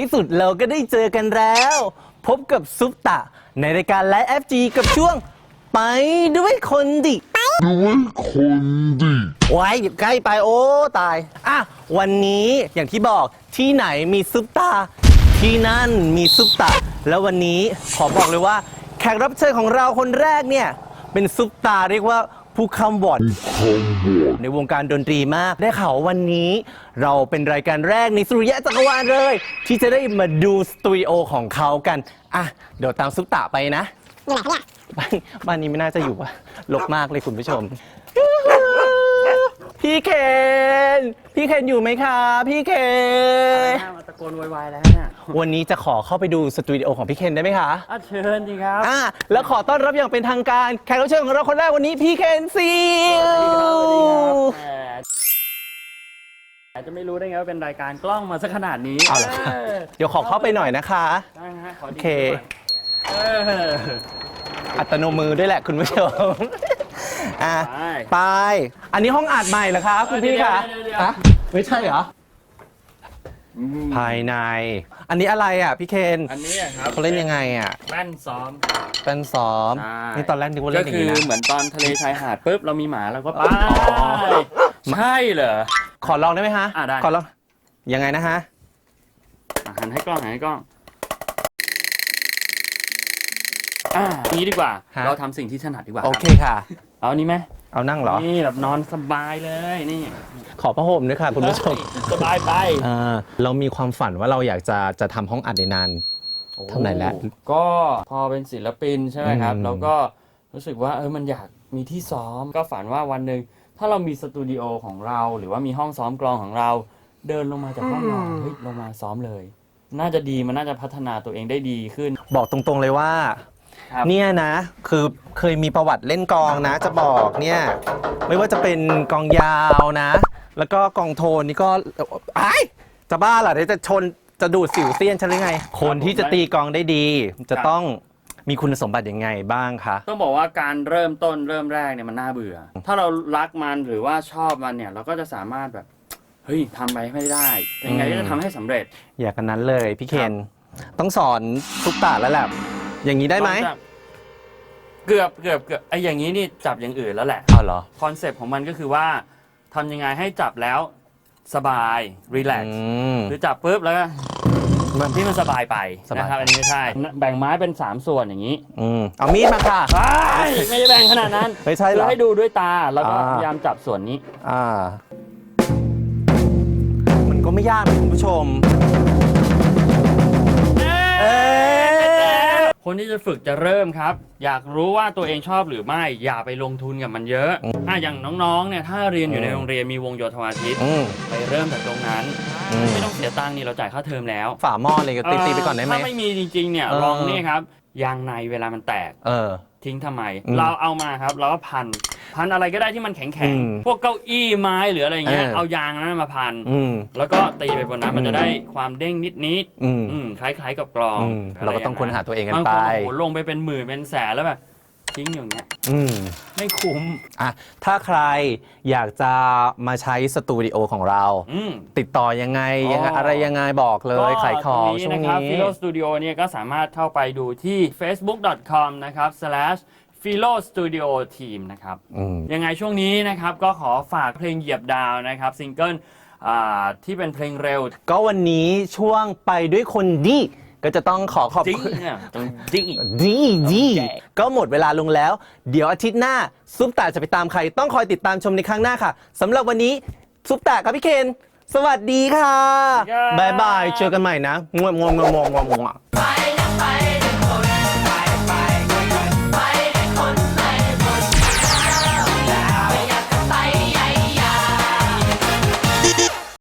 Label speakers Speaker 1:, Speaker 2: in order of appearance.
Speaker 1: ที่สุดเราก็ได้เจอกันแล้วพบกับซุปตะในรายการไลฟ์ FG กับช่วงไปด้วยคนดิไว้หยิบใกล้ไปโอ้ตายอ่ะวันนี้อย่างที่บอกที่ไหนมีซุปตาที่นั่นมีซุปตาแล้ววันนี้ขอบอกเลยว่าแขกรับเชิญของเราคนแรกเนี่ยเป็นซุปตาเรียกว่าผู้คำวอดในวงการดนตรีมากได้ข่าววันนี้เราเป็นรายการแรกในสุริยะจักรวาลเลยที่จะได้มาดูสตูดิโอของเขากันอ่ะเดี๋ยวตามซุปตาไปนะบ้านนี้ไม่น่าจะอยู่อะรกมากเลยคุณผู้ชมพี่เคนอยู่ไหมคะพี่เคน
Speaker 2: มาตะโกนวายแล้วเนี่ย
Speaker 1: วันนี้จะขอเข้าไปดูสตูดิโอของพี่เคนได้ไหมคะ
Speaker 2: เชิญดีครับ
Speaker 1: แล้วขอต้อนรับอย่างเป็นทางการแขกรับเชิญของเราคนแรกวันนี้พี่เคนซิล
Speaker 2: อาจจะไม่รู้ได้ไงว่าเป็นรายการกล้องมาสักขนาดนี้
Speaker 1: เดี๋ยวขอเข้าไปหน่อยนะคะ
Speaker 2: โอ
Speaker 1: เคอัตโนมือด้วยแหละคุณผู้ชมไปอันนี้ห้องอัดใหม่เหรอคะคุณพี่คะไม่ใช่เหรอภายในอันนี้อะไรอ่ะพี่เคน
Speaker 2: อันนี้ครับ
Speaker 1: เขาเล่นยังไงอ่ะ
Speaker 2: แป้นซ้อม
Speaker 1: นี่ตอนแรกนึกว่าเล่นอย่างนี้นะ
Speaker 2: ก็คือเหมือนตอนทะเลชายหาดปุ๊บเรามีหมาเราก็ไปใช่เหรอ
Speaker 1: ขอลองได้ไหมฮะ
Speaker 2: ได้
Speaker 1: ขอลองยังไงนะฮะ
Speaker 2: หันให้กล้องนี้ดีกว่าเราทำสิ่งที่ถนัดดีกว่า
Speaker 1: โอเคค่ะ
Speaker 2: เอานี้ไหม
Speaker 1: เอานั่งเหรอ
Speaker 2: นี่แบบนอนสบายเลยนี่
Speaker 1: ขอผ้าห่มด้วยค่ะคุณผู้ชม
Speaker 2: สบายไป
Speaker 1: เรามีความฝันว่าเราอยากจะทำห้องอัดในนานเท่าไหร่แล้ว
Speaker 2: ก็พอเป็นศิลปินใช่ไหมครับเราก็รู้สึกว่ามันอยากมีที่ซ้อมก็ฝันว่าวันหนึ่งถ้าเรามีสตูดิโอของเราหรือว่ามีห้องซ้อมกลองของเราเดินลงมาจากห้องนอนลงมาซ้อมเลยน่าจะดีมันน่าจะพัฒนาตัวเองได้ดีขึ้น
Speaker 1: บอกตรงๆเลยว่าเนี่ยนะคือเคยมีประวัติเล่นกลองนะจะบอกเนี่ยไม่ว่าจะเป็นกลองยาวนะแล้วก็กลองโทนนี่ก็จะบ้าเหรอเดี๋ยวจะดูดสิวเซียนฉันหรือไงคนที่จะตีกลองได้ดีจะต้องมีคุณสมบัติยังไงบ้างคะ
Speaker 2: ต้องบอกว่าการเริ่มแรกเนี่ยมันน่าเบื่อถ้าเรารักมันหรือว่าชอบมันเนี่ยเราก็จะสามารถแบบเฮ้ยทำไปไม่ได้ยังไงก็จะทำให้สำเร็จ
Speaker 1: อย่างนั้นเลยพี่เคนต้องสอนซุปตาแล้วแหละอย่างนี้ได้ไหม
Speaker 2: เกือบไอ้อย่างนี้นี่จับอย่างอื่นแล้วแหละ
Speaker 1: เหรอ
Speaker 2: คอนเซปต์ของมันก็คือว่าทำยังไงให้จับแล้วสบายรีแลกซ์หรือจับปุ๊บแล้วมันที่มันสบายไปนะครับอันนี้ไม่ใช่แบ่งไม้เป็น3ส่วนอย่างนี้
Speaker 1: เอามีดมาค่ะ
Speaker 2: ไม่ได้แบ่งขนาดนั้น
Speaker 1: ไม่ใช่หรอ
Speaker 2: ให้ดูด้วยตาแล้วก็พยายามจับส่วนนี้
Speaker 1: มันก็ไม่ยากนะคุณผู้ชม
Speaker 2: คนที่จะฝึกจะเริ่มครับอยากรู้ว่าตัวเองชอบหรือไม่อย่าไปลงทุนกับมันเยอะอย่างน้องๆเนี่ยถ้าเรียนอยู่ในโรงเรียนมีวงโยธวาทิตไปเริ่มจากตรงนั้นไม่ต้องเสียตังค์นี่เราจ่ายค่าเทอมแล้ว
Speaker 1: ฝาหม้อเลยก็ตีไปก่อนได้ไหม
Speaker 2: ถ้าไม่มีจริงๆเนี่ยลองนี่ครับยางในเวลามันแตกทิ้งทำไมเราเอามาครับเราก็พันอะไรก็ได้ที่มันแข็งๆพวกเก้าอี้ไม้หรืออะไรเงี้ยเอายางนั้นมาพันแล้วก็ตีไปบนนั้นมันจะได้ความเด้งนิดคล้ายๆกับกลอง
Speaker 1: เราก็ต้องค้นหาตัวเองกันไป
Speaker 2: ลงไปเป็นหมื่นเป็นแสนแล้วแบบทิ้งอย่างเงี้ยไม่คุ้ม
Speaker 1: ถ้าใครอยากจะมาใช้สตูดิโอของเราติดต่อยังไงอะไรยังไงบอกเลยขายของช่วงนี้
Speaker 2: Philo Studio เนี่ยก็สามารถเข้าไปดูที่ facebook.com นะครับ /Philo Studio Team นะครับยังไงช่วงนี้นะครับก็ขอฝากเพลงเหยียบดาวนะครับซิงเกิลที่เป็นเพลงเร็ว
Speaker 1: ก็วันนี้ช่วงไปด้วยคนดีก็จะต้องขอขอบคุณดีก็หมดเวลาลงแล้วเดี๋ยวอาทิตย์หน้าซุปตาจะไปตามใครต้องคอยติดตามชมในครั้งหน้าค่ะสำหรับวันนี้ซุปตากับพี่เคนสวัสดีค่ะบ๊ายบายเจอกันใหม่นะงวงไป